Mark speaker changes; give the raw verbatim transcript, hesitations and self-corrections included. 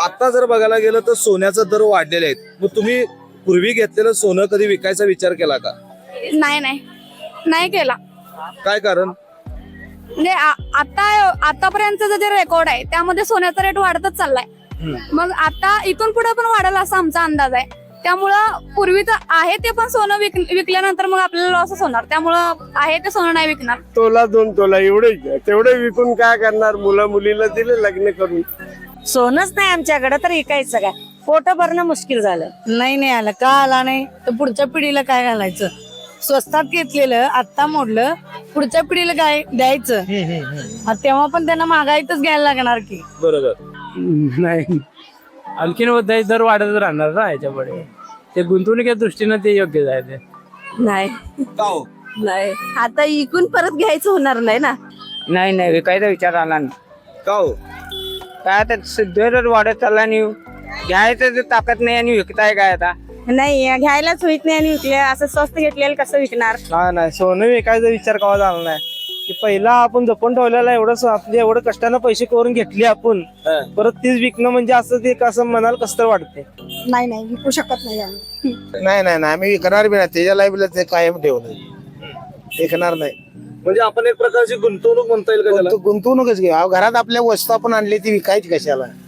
Speaker 1: आता जर बघायला गेलं तर सोन्याचा दर वाढलेले आहेत, मग तुम्ही पूर्वी घेतलेलं सोनं कधी विकायचा विचार केला का?
Speaker 2: नाही नाही नाही केला.
Speaker 1: काय कारण?
Speaker 2: म्हणजे आ- आता आतापर्यंतचा जे रेकॉर्ड आहे त्यामध्ये सोन्याचा रेट वाढतच चाललाय. मग आता इथून पुढे पण वाढेल असा आमचा अंदाज आहे. त्यामुळं पूर्वीचं आहे ते पण सोनं विक विकल्यानंतर मग आपल्याला लॉसच होणार. त्यामुळं आहे ते सोनं नाही विकणार.
Speaker 3: तोला दोन तोला एवढे तेवढे विकून काय करणार? मुलं मुलीला दिले लग्न करून.
Speaker 4: सोनच नाही आमच्याकडे तर विकायचं काय? पोट भरणं मुश्किल झालं.
Speaker 5: नाही नाही आला का आला नाही तर पुढच्या पिढीला काय घालायचं? स्वस्तात घेतलेलं आता मोडलं, पुढच्या पिढीला काय द्यायचं? हा, तेव्हा पण त्यांना महागाईतच घ्यायला लागणार की.
Speaker 1: बरोबर.
Speaker 6: नाही, आणखीन दर वाढत राहणार ना याच्यापुढे. ते गुंतवणुकीच्या दृष्टीनं ते योग्य आहे ते.
Speaker 4: नाही
Speaker 1: का हो?
Speaker 4: नाही आता इकून परत घ्यायचं होणार नाही ना.
Speaker 6: नाही नाही विकायचा विचार आला नाही.
Speaker 1: का हो?
Speaker 6: काय आता दर वाढत चालला आणि घ्यायचं ते ताकद नाही आणि विकताय काय आता?
Speaker 4: नाही घ्यायलाच होईत नाही आणि विकले असं स्वस्त घेतलेलं कसं विकणार?
Speaker 6: नाही नाही सोनं विकायचा विचार कवा झाला नाही. की पहिला आपण जपून ठेवलेला एवढं आपले एवढं कष्टानं पैसे करून घेतले आपण, परत तीच विकणं म्हणजे असं ते कसं मनाला कसं तर वाटते.
Speaker 5: नाही नाही विकू शकत नाही आम्ही.
Speaker 3: नाही नाही नाही आम्ही विकणार बी नाही. त्याच्या लाईफला ते कायम ठेवलं विकणार नाही.
Speaker 1: म्हणजे आपण एक प्रकारची गुंतवणूक म्हणता येईल का त्याला?
Speaker 3: गुंतवणूकच घे. घरात आपल्या वस्तू आपण आणली ती विकायची कशाला?